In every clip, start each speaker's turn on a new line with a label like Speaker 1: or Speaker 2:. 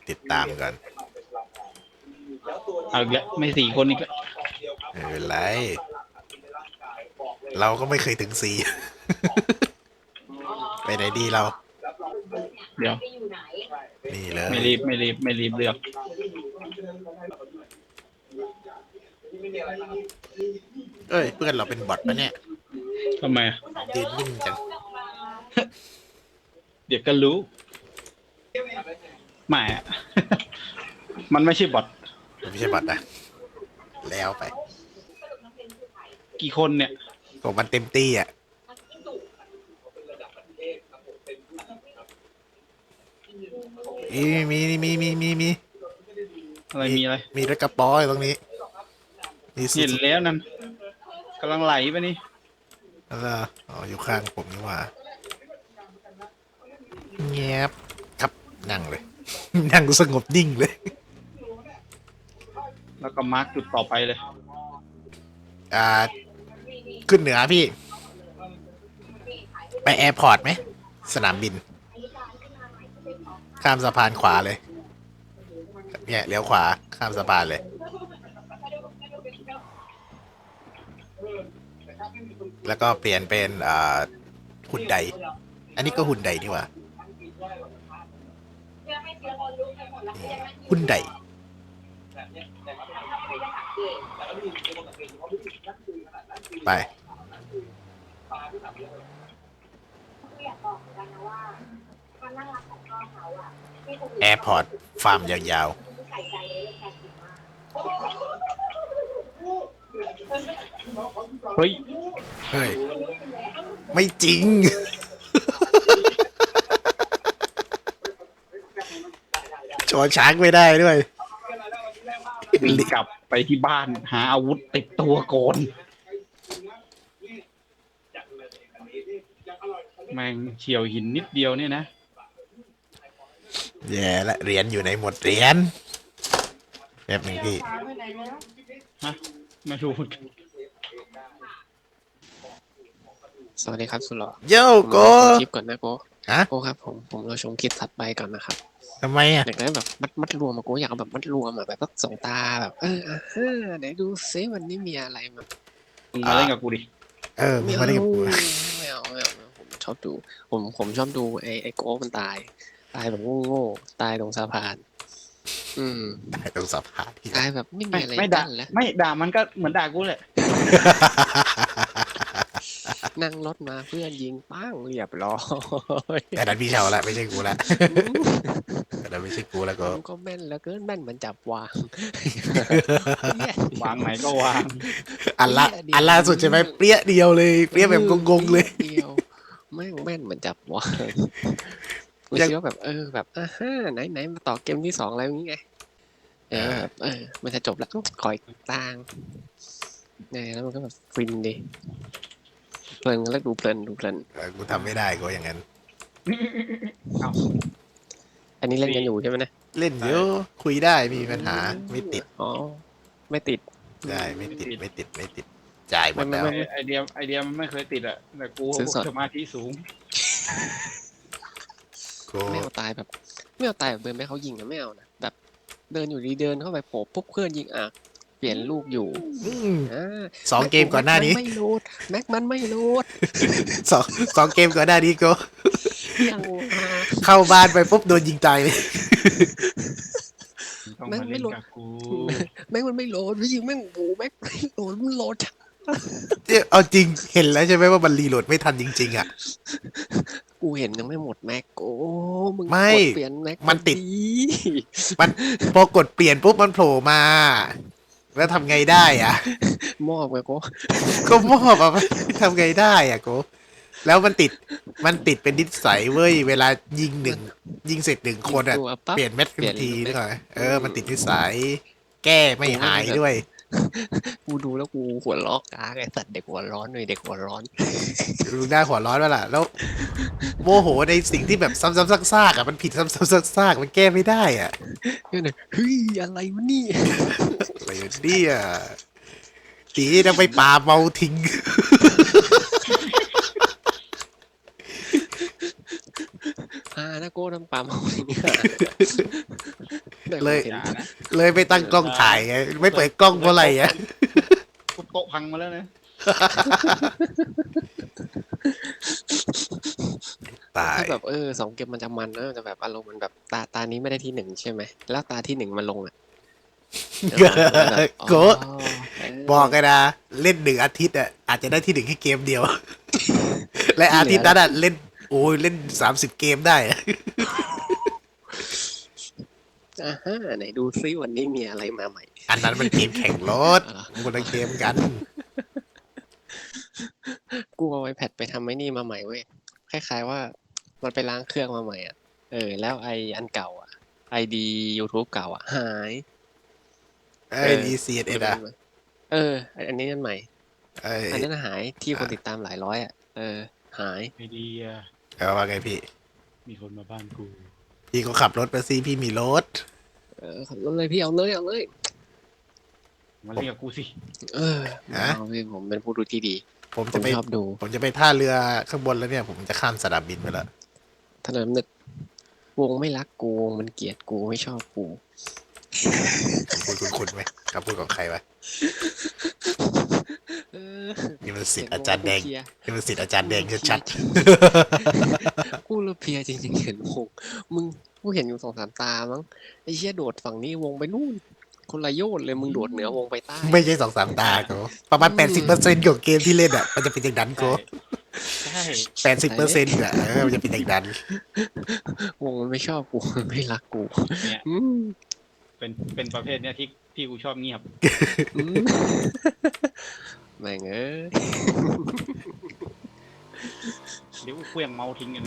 Speaker 1: ติดตามก่อน
Speaker 2: เอาอีกแล้วไม่4 คนอีกแล้ว
Speaker 1: ไม่เป็นไรเราก็ไม่เคยถึง4ไปไหนดีเรา
Speaker 2: เดี๋ยว
Speaker 1: นี่เลย
Speaker 2: ไม่รีบไม่รีบไม่รีบเลือก
Speaker 1: เอ้ยเพื่อนเราเป็นบอทปะเนี่ย
Speaker 2: ทำไมอ่ะ
Speaker 1: ยืนนิ่งจัง
Speaker 2: เดี๋ยวก็รู้ไม่อะ มันไม่ใช่บอท
Speaker 1: มันไม่ใช่บอทนะแล้วไป
Speaker 2: กี่คนเนี่ย
Speaker 1: ผมมันเต็มตี้อ่ะมี
Speaker 2: อะไรมีอะไร
Speaker 1: มีรถกระป๋ออยู่ตรงนี้
Speaker 2: เห็นแล้วนั่นกำลังไหลไปนี่
Speaker 1: แล้วอ๋ออยู่ข้างผมนี่ว่าเงียบครับนั่งเลย นั่งสงบนิ่งเลย
Speaker 2: แล้วก็มาร์กจุดต่อไปเลย
Speaker 1: ขึ้นเหนือพี่ไปแอร์พอร์ตไหมสนามบินข้ามสะพานขวาเลยเนี่ยเลี้ยวขวาข้ามสะพานเลยแล้วก็เปลี่ยนเป็นหุ่นใดอันนี้ก็หุ่นใดนี่หว่าหุ่นใดไปแอร์พอร์ตฟาร์มยาวๆ
Speaker 2: เฮ้ย
Speaker 1: ไม่จริง ชนช้างไม่ได้ด้วย
Speaker 2: วิ่งกลับไปที่บ้านหาอาวุธติดตัวก่อนแม่งเฉียวหินนิดเดียวเนี่ยนะ
Speaker 1: แย่ละเหรียญอยู่ในหมดเหรียญแบบหนึ่งพี่
Speaker 2: ฮะไม่รู้
Speaker 3: สวัสดีครับสุดหล่อ
Speaker 1: โยโก
Speaker 3: คลิปก่อนนะโก
Speaker 1: ฮะ
Speaker 3: โกครับผมเราชมคลิปถัดไปก่อนนะครับ
Speaker 1: ทำไมอ่ะ
Speaker 3: อยากได้แบบมัดรวมมาโกอยากเอาแบบมัดรวมแบบสองตาแบบไหนดูซิวันนี้มีอะไรมา
Speaker 2: มึงมาเล่นกับกูดิ
Speaker 1: มึงมาเล่นกับกู
Speaker 3: ไม่เอาผมชอบดูผมชอบดูไอ้โกมันตายแบบโง่ตายตรงสะพาน
Speaker 1: ตายตรงสะพาน
Speaker 3: ตายแบบไม่มีอะไร
Speaker 2: ไม่ด่า
Speaker 3: แล้ว
Speaker 2: ไม่ด่ามันก็เหมือนด่ากูเลย
Speaker 3: นั่งรถมาเพื่อนยิงปั้งเรียบร้อย
Speaker 1: แต่นั้นพี่เชาละไม่ใช่กูละแต่นั้นไม่ใช่กูแล้ว
Speaker 3: ก็แม่นแล้วเกินแม่นเหมือนจับวาง
Speaker 2: วางไหนก็วาง
Speaker 1: อันล่าสุดใช่ไหมเปรี้ยเดียวเลยเปรี้ยแบบงงๆเลย
Speaker 3: เดียวแม่นเหมือนจับวางกูคิดว่าแบบแบบไหนมาต่อเกมที่2อะไรอย่างงี้ไงมันจะจบแล้วคอยต่างเนี่ยแล้วมันก็แบบฟินดิเพลินแล้วดูเพลิน
Speaker 1: กูทำไม่ได้กูอย่างนั้น
Speaker 3: อันนี้เล่นกันอยู่ใช่ไหมนะ
Speaker 1: เล่นเยอะคุยได้มีปัญหาไม่ติด
Speaker 3: ไม่ติด
Speaker 1: ได้ไม่ติดจ่ายหมดแล้ว
Speaker 2: ไอเดียมันไม่เคยติดอะแต่กูสมาธิสูง
Speaker 3: ไม่เอาตายแบบเดินไปเขายิงนะไม่เอานะแบบเดินอยู่ดีเดินเข้าไปโผล่ปุ๊บเพื่อนยิงเปลี่ยนลูกอยู่
Speaker 1: 2 เกมก่อนหน้านี้
Speaker 3: ไม่โหลดแม็กมันไม่โหลด
Speaker 1: 2 เกมก่อนหน้านี้ก็เข้าบ้านไปปุ๊บโดนยิงตายเลย
Speaker 3: แม็กไม่โหลดแม็กมันไม่โหลดยิงแม่งโหแม็กไม่โหลดมันโหลด
Speaker 1: เอาจริงเห็นแล้วใช่ไหมว่ามันรีโหลดไม่ทันจริงๆอ่ะ
Speaker 3: กูเห็นยังไม่หมดแม็กมึง
Speaker 1: ไม่
Speaker 3: เปลี่ยนแม็ก
Speaker 1: มันติดมันพอกดเปลี่ยนปุ๊บมันโผล่มาแล้วทำไงได้อ่ะ
Speaker 3: มอบไง
Speaker 1: ก็มอบอ่ะทำไงได้อ่ะโกแล้วมันติดเป็นนิสัยเว้ยเวลายิงเสร็จ1 คนอ่ะเปลี่ยนเม็ดทันทีนึกออกไหมมันติดนิสัยแก้ไม่หายด้วย
Speaker 3: กูดูแล้วกูหัวล้อกาไอ้สัตว์เด็กหัวร้อนเลยเด็กหัวร้อน
Speaker 1: ดูหน้าหัวร้อนแล้วล่ะแล้วโมโหในสิ่งที่แบบซ้ำๆซากๆอ่ะมันผิดซ้ำๆซากๆมันแก้ไม่ได้อ่ะ
Speaker 3: เฮ้ยอะไรวะนี่
Speaker 1: อะไรเนี่ยตีต้องไปป่าเมาทิ้ง
Speaker 3: นะโก้ทำปลาเมาทิ้ง
Speaker 1: เลย
Speaker 3: คอนเทน
Speaker 2: อย่า
Speaker 3: ต์
Speaker 2: นะ
Speaker 1: เลยไปตั้งกล้องถ่ายไงไม่เปิดกล้องเพราะอะไรอ่ะ
Speaker 2: ทุบโต๊ะพังมาแล้วนะ
Speaker 1: ตาย
Speaker 3: ถ้าแบบ2 เกมมันจะมันนะมันจะแบบอารมณ์มันแบบตานี้ไม่ได้ที่ 1ใช่ไหมแล้วตาที่ 1มันลงอ่ะ
Speaker 1: โกะบอกเลยนะเล่น1 อาทิตย์อ่ะอาจจะได้ที่ 1แค่เกมเดียว และอาทิตย์นั้นอ่ะเล่นโอ้ยเล่น30 เกมได้อะ
Speaker 3: ไหนดูซิวันนี้มีอะไรมาใหม่
Speaker 1: อันนั้นมันเกมแข่งรถคนละเกมกัน
Speaker 3: กูเอา iPad ไปทำไอ้นี่มาใหม่เว้ยคล้ายๆว่ามันไปล้างเครื่องมาใหม่อ่ะแล้วอันเก่าอ่ะID YouTube เก่าอ่ะหาย
Speaker 1: ไอ้ดีซีเอ็ดอ่ะ
Speaker 3: อันนี้อันใหม่ อันนั้นหายที่คนติดตามหลายร้อยอ่ะหาย
Speaker 2: ไอเดีย
Speaker 1: เอาว่าไงพี่
Speaker 2: มีคนมาบ้านกู
Speaker 1: พี่ก็ขับรถไปสิพี่มีรถ
Speaker 3: ขับรถเลยพี่เอาเลย
Speaker 2: มาเรียกกูสิ
Speaker 3: เอาพี่ผมเป็นผู้ดูที่ดี
Speaker 1: ผม
Speaker 3: ผ
Speaker 1: จะ
Speaker 3: ม
Speaker 1: ไป
Speaker 3: ชอบดู
Speaker 1: ผมจะไปท่าเรือข้างบนแล้วเนี่ย ผมจะข้ามสนามบินไปแล้ว
Speaker 3: ถนนนึกวงไม่รักกูวงมันเกลียดกูไม่ชอบกู
Speaker 1: คุณคุณไหมคำพูดของใครวะนี่มันสิทธิ์อาจารย์แดงนี่มันสิทธิ์อาจารย์แดงชัด
Speaker 3: กูละเพลียจริงๆเห็นวงมึงกูเห็นอยู่2-3 ตามั้งไอ้เชี่ยโดดฝั่งนี้วงไปนู่นคนละโยชน์เลยมึงโดดเหนือวงไปใต้
Speaker 1: ๆไม่ใช่2-3 ตาโกประมาณ 80%ของเกมที่เล่นอ่ะมันจะเป็นอย่างนั้นโก
Speaker 2: ใช่
Speaker 1: 80%อ่ะมันจะเป็นอย่างนั้น
Speaker 3: วงมันไม่ชอบกูมันไม่รักกู
Speaker 2: เนี่ย
Speaker 3: อืม
Speaker 2: เป็นประเภทเนี้ยที่กูชอบเงียบ
Speaker 3: อืมแม่งเอ้ย
Speaker 2: เดี๋ยวกูเคลื่องเมาส์ทิ้งกันนะ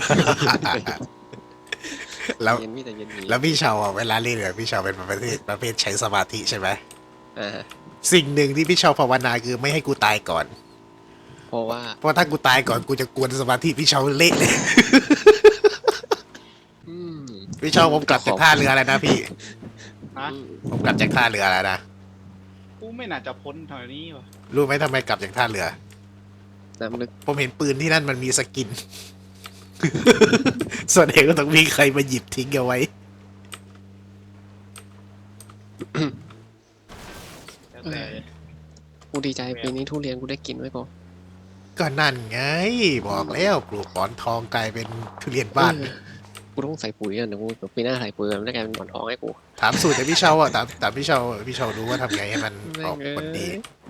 Speaker 1: แล้ว
Speaker 3: เย็นพี่แต่เย็นดี
Speaker 1: แล้วพี่เชาอ่ะเวลาเล่นเนี่ยพี่เชาเป็นประเภทใช้สมาธิใช่ไหม
Speaker 3: อ่า
Speaker 1: สิ่งหนึ่งที่พี่เชาภาวนาคือไม่ให้กูตายก่อน
Speaker 3: เพราะว่า
Speaker 1: เพราะถ้ากูตายก่อนกูจะกวนสมาธิพี่เชาเละเลย
Speaker 3: อืม
Speaker 1: พี่เชาผมกลับจากท่าเรือแล้วนะพี่
Speaker 2: ฮะ
Speaker 1: ผมกลับจากท่าเรือแล้วนะ
Speaker 2: กูไม่น่าจะพ้นแถวนี้วะ
Speaker 1: รู้ไหมทำไมกลับจากท่าเรือ
Speaker 3: น้ำลึก
Speaker 1: ผมเห็นปืนที่นั่นมันมีสกิน แสดงว่าต้องมีใครมาหยิบทิ้งเอาไว้
Speaker 2: แล้วแต่
Speaker 3: กูดีใจปีนี้ทุเรียนกูได้กินไว้ก่อน
Speaker 1: ก็นั่นไง บอกแล้วปลูกหมอนทองกลายเป็นทุเรียนบ้าน
Speaker 3: กูต้องใส่ปุ๋ยอ่ะเดี๋ยวกูปีหน้าใส่ปุ๋ยมันได้กลายเป็นหมอนทองให้กู
Speaker 1: ถามสูตรจากพี่เชาอ่ะถามพี่เชาพี่เชารู้ว่าทำไงให้มันออกผลดี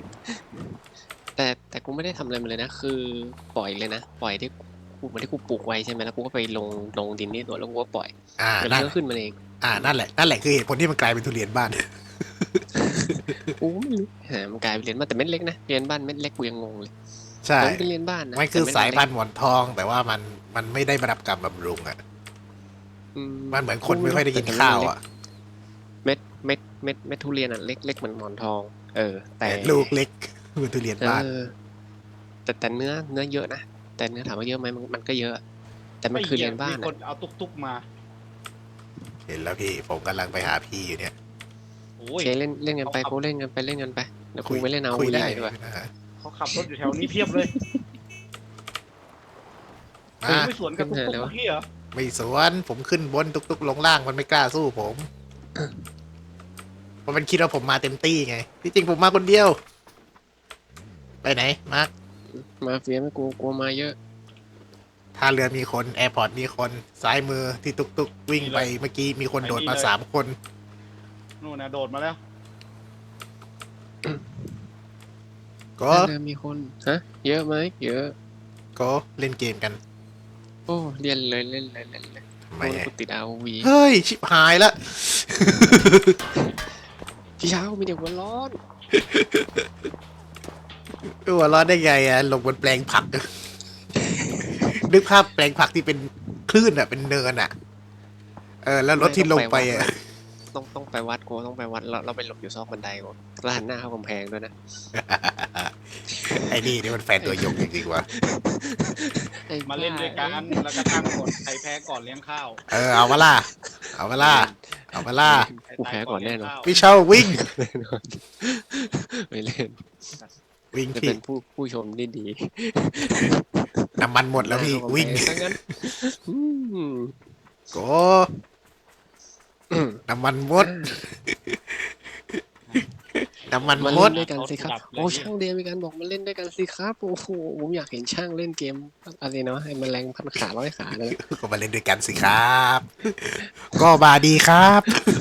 Speaker 3: แต่กูไม่ได้ทำอะไรมันเลยนะ คือปล่อยเลยนะปล่อยที่กูเหมือนที่กูปลูกไว้ใช่ไหมแล้วกูก็ไปลงดินนี่ตัวแล้วกูก็ปล่อย เดี๋ยวมั
Speaker 1: นั่
Speaker 3: น
Speaker 1: น
Speaker 3: ก็ขึ้นมาเอง
Speaker 1: นั่นแหละคือเหตุผลที่มันกลายเป็นทุเรียนบ้าน
Speaker 3: กูไม่รู้มันกลายเป็นเรียนบ้านแต่เม็ดเล็กนะเรียนบ้านเม็ดเล็กกูยังงงเลย
Speaker 1: ใช่
Speaker 3: มันเป็นเรียนบ้านนะ
Speaker 1: มันคือ
Speaker 3: แต่เด
Speaker 1: สายพัน
Speaker 3: เล็ก
Speaker 1: ธุ์หมอนทอง แต่ว่ามันไม่ได้รับการบำรุงอ่ะ
Speaker 3: อื
Speaker 1: มันเหมือนคนไม่ค่อยได้กินข้าวอ่ะ
Speaker 3: เม็ดทุเรียนอ่ะเล็กเหมือนหมอนทอง แต่
Speaker 1: แต่ลูกเล็กเหมือนทุเรียนบ้าน
Speaker 3: แต่เนื้อเยอะนะแต่เนื้อถามว่าเยอะไหมมันก็เยอะ แต่มันคือเรียนบ้าน
Speaker 2: มีคนเอาตุ๊กๆมา
Speaker 1: เห็นแล้วพี่ผมกำลังไปหาพี่อยู่เนี่ย
Speaker 2: โอ้
Speaker 3: โอย เคเล่นกันไปกูเล่นกันไปเเดี๋ยวกูไปเล่นเอา
Speaker 1: คุยได้
Speaker 3: ด้วย
Speaker 1: นะฮะ
Speaker 2: เขาขับรถอยู่แถวนี้เพียบเลย
Speaker 1: อ่ะ
Speaker 2: ไม่สวนกับตุ๊กๆเมื่อกี้เหรอ
Speaker 1: ไม่สวนผมขึ้นบนตุกๆลงล่างมันไม่กล้าสู้ผมเพราะมันคิดว่าผมมาเต็มตี้ไงที่จริงผมมาคนเดียว ไปไหนมาร์ค
Speaker 3: มาเฟียไม่กลัวมาเยอะ
Speaker 1: ท่าเรือมีคนแอร์พอร์ตมีคนซ้ายมือที่ตุกๆวิ่งไปเมื่อกี้มีคนโดดมา3 คน
Speaker 2: นู่นนะโดดมาแล้ว
Speaker 1: ก็
Speaker 3: เริ่มมีคนฮะเยอะไหมเยอะ
Speaker 1: ก็เล่นเกมกัน
Speaker 3: โอ้เรียนเลย
Speaker 1: ทำไม
Speaker 3: โอ้ย
Speaker 1: อะ
Speaker 3: กูติดเอาวี
Speaker 1: เฮ้ย ชิบหายละ
Speaker 3: พี่เช้ามีเด็กหัวร้อน
Speaker 1: หัวเร้อนได้ไงอะลงบนแปลงผัก นึกภาพแปลงผักที่เป็นคลื่นอะเป็นเนินอะแล้วรถที่ลงไปอะ
Speaker 3: ต้องไปวัดกูต้องไปวัดเราไปหลบอยู่ซอกบันไดกูแล้วหันหน้าเข้ากำแพงด้วยนะ
Speaker 1: ไอ้นี่มันแฟนตัวยงจริงๆว่ะ
Speaker 3: ไอ้
Speaker 2: มาเล่นด้วยกันแล้วก็ตั้งกฎใครแพ้ก่อนเลี้ยงข้าว
Speaker 1: เอามาล่ะเอามาล่ะเอามาล่ะ
Speaker 3: กูแพ้ก่อนแน่นอน
Speaker 1: พี่เชาวิ่ง
Speaker 3: แน่นอนไม่เล่น
Speaker 1: วิ่ง
Speaker 3: จะ
Speaker 1: พี่
Speaker 3: เป็นผู้ชมที่ดี
Speaker 1: น้ำมันหมดแล้วพี่วิ่ง
Speaker 3: ทั้งนั้นอืม
Speaker 1: โก็น้ำมันหมด น้ำมัน
Speaker 3: มา
Speaker 1: หม
Speaker 3: เล่
Speaker 1: ด
Speaker 3: นด้วยกันสิครับโอ้ช่างเดียวมีการบอกมาเล่นด้วยกันสิครับโอ้โหผมอยากเห็นช่างเล่นเกมอะไรนะไอ้แมลงพันขาร้อยขาเลย
Speaker 1: ก็มาเล่นด้วยกันสิครับ ก็มาดีครับ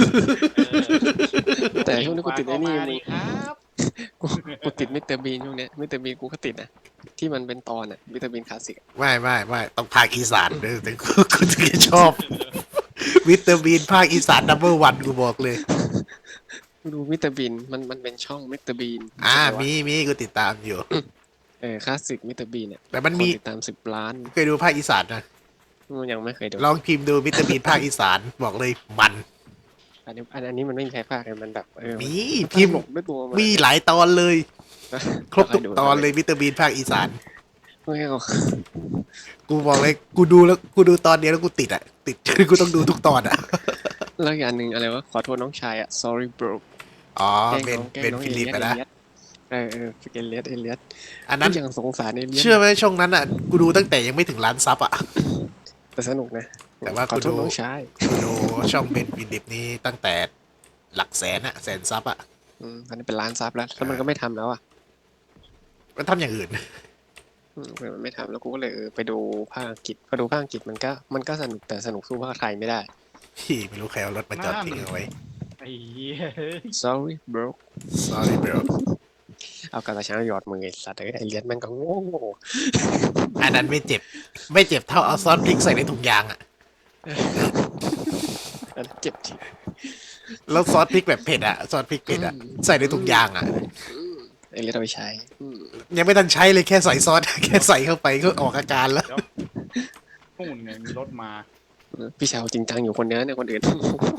Speaker 3: แต่ช่วงนี้กูติดไอ้นี่
Speaker 2: มา
Speaker 3: มึ
Speaker 2: ดี
Speaker 3: ง
Speaker 2: ครับ
Speaker 3: กูติดมิสเตอร์บีนช่วงเนี้ยมิสเตอร์บีนกูก็ติดนะที่มันเป็นตอนอ่ะมิสเตอร์บีนคลาสสิก
Speaker 1: ไม่ต้องภาคอีสานเลยแต่กูถึงจะชอบ วิตามินภาคอีสานนัมเบอร์ 1กูบอกเลย
Speaker 3: กูดูมิสเตอร์บีนมันเป็นช่องมิสเตอร์บีน
Speaker 1: มีกูติดตามอยู่
Speaker 3: คลาสสิกมิสเตอร์บีนเนี่ย
Speaker 1: แต่มัน
Speaker 3: คน
Speaker 1: มี
Speaker 3: ติดตาม10 ล้าน
Speaker 1: เคยดูภาคอีสานนะ
Speaker 3: มันยังไม่เคยดู
Speaker 1: ลองพิมพ์ดูวิตามินภาคอีสานบอกเลยมัน
Speaker 3: อันนี้มันไม่มีใครพากเลยมันแบบ
Speaker 1: มี
Speaker 3: มัน
Speaker 1: พิมพ์
Speaker 3: ตลกด้วยตัวมัน
Speaker 1: มีหลายตอนเลย
Speaker 3: นะ
Speaker 1: ครบทุกตอนเลยวิตามินภาคอีสาน
Speaker 3: ไม่เอา
Speaker 1: กูบอกเลยกูดูตอนเดียวแล้วกูติดอ่ะ ติด กูต้องดูทุกตอนอ่ะ
Speaker 3: แล้วอย่างหนึ่งอะไรวะขอโทษน้องชายอ่ะ sorry bro
Speaker 1: อ๋อ
Speaker 3: แกล้ง
Speaker 1: เป็น
Speaker 3: น้อง
Speaker 1: ฟิลิป
Speaker 3: เอ
Speaker 1: อะ
Speaker 3: เลี
Speaker 1: นะ
Speaker 3: ยสเอเลียส
Speaker 1: อันนั้น
Speaker 3: ยังสงสารเอเลียส
Speaker 1: เชื่อไหมช่วงนั้นอ่ะ กูดูตั้งแต่ยังไม่ถึงล้านซับอ่ะ
Speaker 3: แต่สนุกนะ
Speaker 1: แต่ว่า
Speaker 3: ขอโทษ
Speaker 1: กูดู
Speaker 3: น้องชาย
Speaker 1: กูดูช่องเป็นฟิลิปนี้ตั้งแต่หลักแสนอะแสนซับอะ
Speaker 3: ตอนนี้เป็นล้านซับแล้วแล้วมันก็ไม่ทำแล้วอ่ะ
Speaker 1: มันทำอย่างอื่น
Speaker 3: มันไม่ทำแล้วกูก็เลยไปดูภาคอังกฤษพอดูภาคอังกฤษมันก็สนุกแต่สนุกสู้ภาคไทยไม่ได้
Speaker 1: พี่ไม่รู้ใครเอารถมาจอดทิ้งเอาไว้
Speaker 2: ไอ้เหี้ย
Speaker 3: sorry bro
Speaker 1: sorry bro
Speaker 3: เอากระช้างหยอดมือไอ้สัตว์ไอ้เลียสแม่งก็โง่
Speaker 1: อันนั้นไม่เจ็บเท่าเอาซอสพริกใส่ในถุงยางอะ
Speaker 3: อันเจ็บจริง
Speaker 1: แล้วซอสพริกแบบเผ็ดอะซอสพริกเผ็ดอะใส่ในถุงยางอะ
Speaker 3: ไอ้เลียสเอาไปใช้
Speaker 1: ยังไม่ทันใช้เลยแค่ใส่ซอส แค่ใส่เข้าไปก็ออกอาการแล้ว
Speaker 2: เดี๋ยวนู่นไงมีรถมา
Speaker 3: พี่ชาวจริงจังอยู่คนเดียวเนี่ยคนอื่น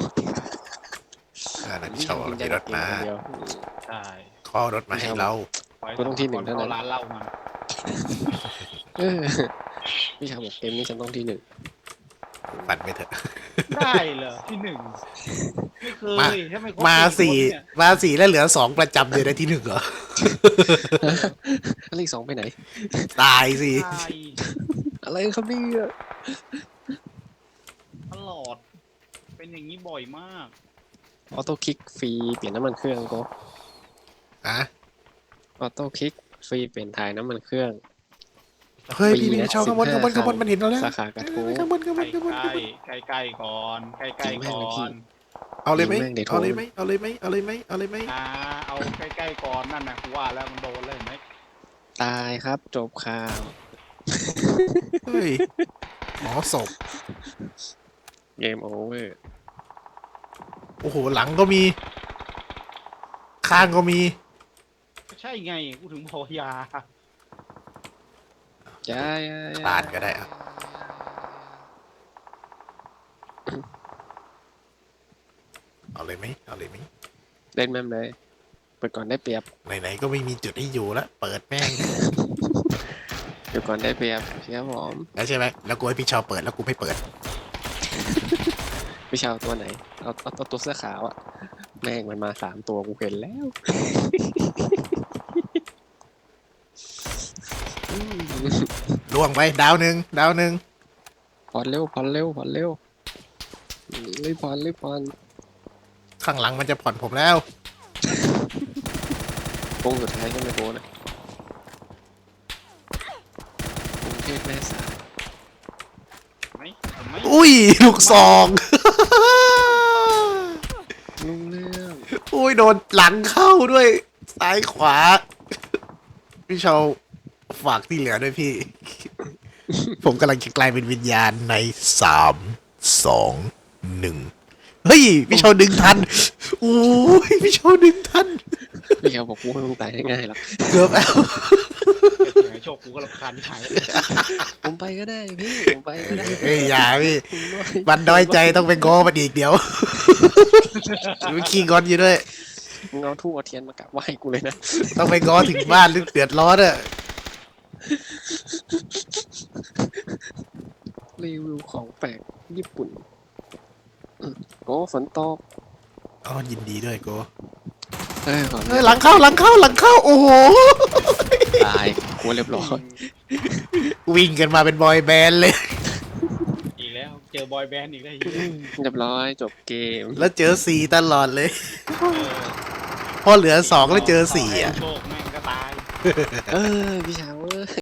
Speaker 1: อันนั้นโชว์มีรถมา
Speaker 3: คนเดียว
Speaker 2: ใช่
Speaker 1: ขอรถมาให้เรา
Speaker 3: กูต้องที่หนึ่งเท่านั้น
Speaker 2: ร้านเหล้ามา
Speaker 3: เออพี่ชาวบอกเกมนี้ฉันต้องที่หนึ่ง
Speaker 1: ปั่นไปเถอะ
Speaker 2: ได้เหรอที่หนึ่งไม่เค
Speaker 1: มา
Speaker 2: ยถ้าไม่ครบ
Speaker 1: มา
Speaker 2: สี่
Speaker 1: 4แล้วเหลือ2ประจำเลยได้ที่ 1เหรอ
Speaker 3: แล้วอีก2ไปไหน
Speaker 1: ตายสิ
Speaker 2: คนเนี่ยใช่
Speaker 3: อะไรครับเนี่ย
Speaker 2: ตลอด เป็นอย่างนี้บ่อยมาก
Speaker 3: ออโต้คลิกฟรีเปลี่ยนน้ำมันเครื่องก็
Speaker 1: อะ
Speaker 3: ออโต้คลิกฟรีเปลี่ยนถ่ายน้ำมันเครื่อง
Speaker 1: เฮ้ย
Speaker 3: ฟรี
Speaker 1: พี่
Speaker 3: นะ
Speaker 1: ชาวข้างบน
Speaker 3: 15
Speaker 1: มันเห็นเราแล้ว
Speaker 3: สาขากระทู้
Speaker 1: ข้างบน
Speaker 2: ใกล้ๆก่อนใกล้ๆก่อน
Speaker 1: เอาเลยไหม
Speaker 3: แม่งเดี๋ยวโทร
Speaker 1: เอาเลยไหมเอาเลยไหมเอาเลยไหมเอาเลยไหม
Speaker 2: เอาใกล้ๆก่อนนั่นนะกูว่าแล้วมันโดนเลยเห็นไหม
Speaker 3: ตายครับจบข่าว
Speaker 1: เฮ้ยหมอศพ
Speaker 3: เกมโอเวอร์
Speaker 1: โอ้โหหลังก็มี ข้างก็มี
Speaker 2: ใช่ไงกูถึงพอยา
Speaker 3: ย้าย
Speaker 1: ปาดก็ได้อะเอาเลยไหมเอาเลยไหม
Speaker 3: เล่นแม่มเลยเปิดก่อนได้เปรียบ
Speaker 1: ไหนๆก็ไม่มีจุดให้อยู่แล้วเปิดแม่ง
Speaker 3: เดี๋ยวก่อนได้เปรียบเชียร์ผม
Speaker 1: แล้วใช่ไหมแล้วกูให้พี่ชาวเปิดแล้วกูไม่เปิด
Speaker 3: พี่ชาวตัวไหนเอาตัวเสื้อขาวอะแม่งมันมา3ตัวกูเห็นแล้ว
Speaker 1: ล่วงไปดาวหนึ่ง
Speaker 3: ผ่อนเร็วรีบผ่อน
Speaker 1: ข้างหลังมันจะผ่อนผมแล้ว
Speaker 3: โค้งสุดท้ายก็ไม่โค้งนะกรุงเทพแม่สาย
Speaker 2: ไหมเห็นไหม
Speaker 1: อุ้ยลูกซอง
Speaker 3: ลุงเรื่อง
Speaker 1: อุ้ยโดนหลังเข้าด้วย ซ้ายขวา พี่ชาวฝากที่เหลือด้วยพี่ ผมกำลังจะกลายเป็นวิญญาณใน3 2 1เฮ้ย พี่ชาวดึงทันอุ้ยพี่ชาวดึงทัน
Speaker 3: พี่เขาบอกกูไม่ต้องตายง่ายๆหรอก
Speaker 1: เกือบแล้ว
Speaker 2: เสียงไอ้โชคกูก็รำคาญที่หาย
Speaker 3: ผมไปก็ได้พี่ผมไปก็ได้
Speaker 1: เฮ้ยอย่าพี่
Speaker 3: ผมน้อย
Speaker 1: มันน้อยใจต้องไปง้อมันอีกเดี๋ยว มันขี้งอนอยู่ด้วย
Speaker 3: มึงเอาทูบเอาเทียนมากราบไหว้กูเลยนะ
Speaker 1: ต้องไปง้อถึงบ้านหรือเดือดร้อนอะ
Speaker 3: รีวิวของแปลกญี่ปุ่นโอ้ฝนตก
Speaker 1: อ๋อยินดีด้วยโก
Speaker 3: ก่อน
Speaker 1: เฮ้ยหลังเข้า โอ้โห
Speaker 3: ตายกูเรียบร้อย
Speaker 1: วิ่งกันมาเป็นบอยแบนด์เลย
Speaker 2: อีกแล้วเจอบอยแบนด์อีกได้เหี้ย
Speaker 3: เรียบร้อยจบเกม
Speaker 1: แล้วเจอสี่ตลอดเลย พอเหลือสองแล้วเจอสี่อ่ะ
Speaker 2: โชคแม่งก็ตาย
Speaker 3: เออพี่เช้าเอ้ย